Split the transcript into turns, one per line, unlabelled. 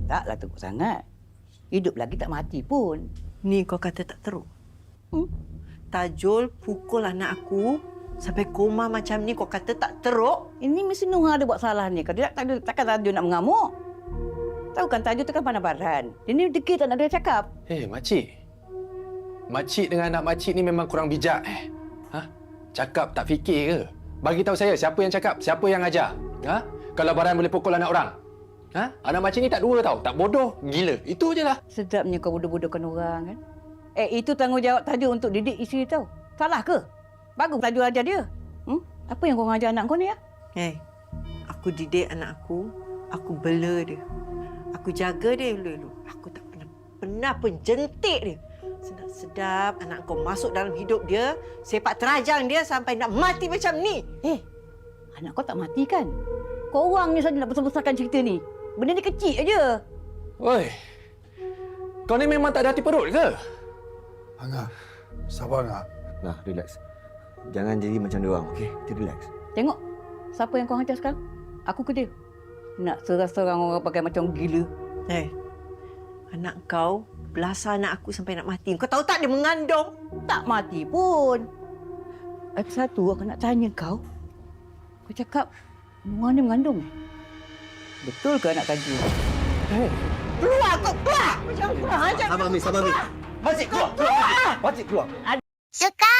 Taklah teruk sangat. Hidup lagi tak mati pun.
Ni kau kata tak teruk.
Hmm?
Tajul pukul anak aku sampai koma macam ni kau kata tak teruk?
Ini mesti Nuha ada buat salah ni. Kalau tidak, takkan Tajul nak mengamuk. Tahu kan Tajul tu kan pandai baran. Dia ni degil tak nak dia cakap.
Makcik. Makcik dengan anak makcik ni memang kurang bijak. Cakap tak fikir ke? Bagi tahu saya siapa yang cakap, siapa yang ajar. Kalau baran boleh pukul anak orang. Anak makcik ni tak dua tau. Tak bodoh, gila. Itu je lah.
Sedapnya kau bodoh-bodohkan orang kan. Itu tanggungjawab Tajul untuk didik isteri tau. Salah ke? Bagus Tajul ajar dia. Apa yang kau ngajar anak kau ni ya?
Aku didik anak aku bela dia. Aku jaga dia dulu. Aku tak pernah pun jentik dia. Sedap-sedap anak kau masuk dalam hidup dia, sepak terajang dia sampai nak mati macam ni.
Anak kau tak mati kan? Kau orang ni saja nak besar-besarkan cerita ni. Benda ni kecil aja.
Oi. Kau ni memang tak ada hati perut ke?
Angah, sabar Angah.
Nah, relax. Jangan jadi macam dia orang, okey? Kita relax.
Tengok. Siapa yang kau hantar sekarang? Aku ke dia? Nak serang-serang orang pakai macam gila.
Anak kau belasah anak aku sampai nak mati. Kau tahu tak dia mengandung?
Tak mati pun. Satu, aku nak tanya kau. Kau cakap, Nuha ni mengandung. Betul ke anak Tajul?
Keluar kau, keluar! Macam kurang ajar.
Sabar, Mi. Sabar, Mi. Makcik, keluar! Makcik, keluar!
Suka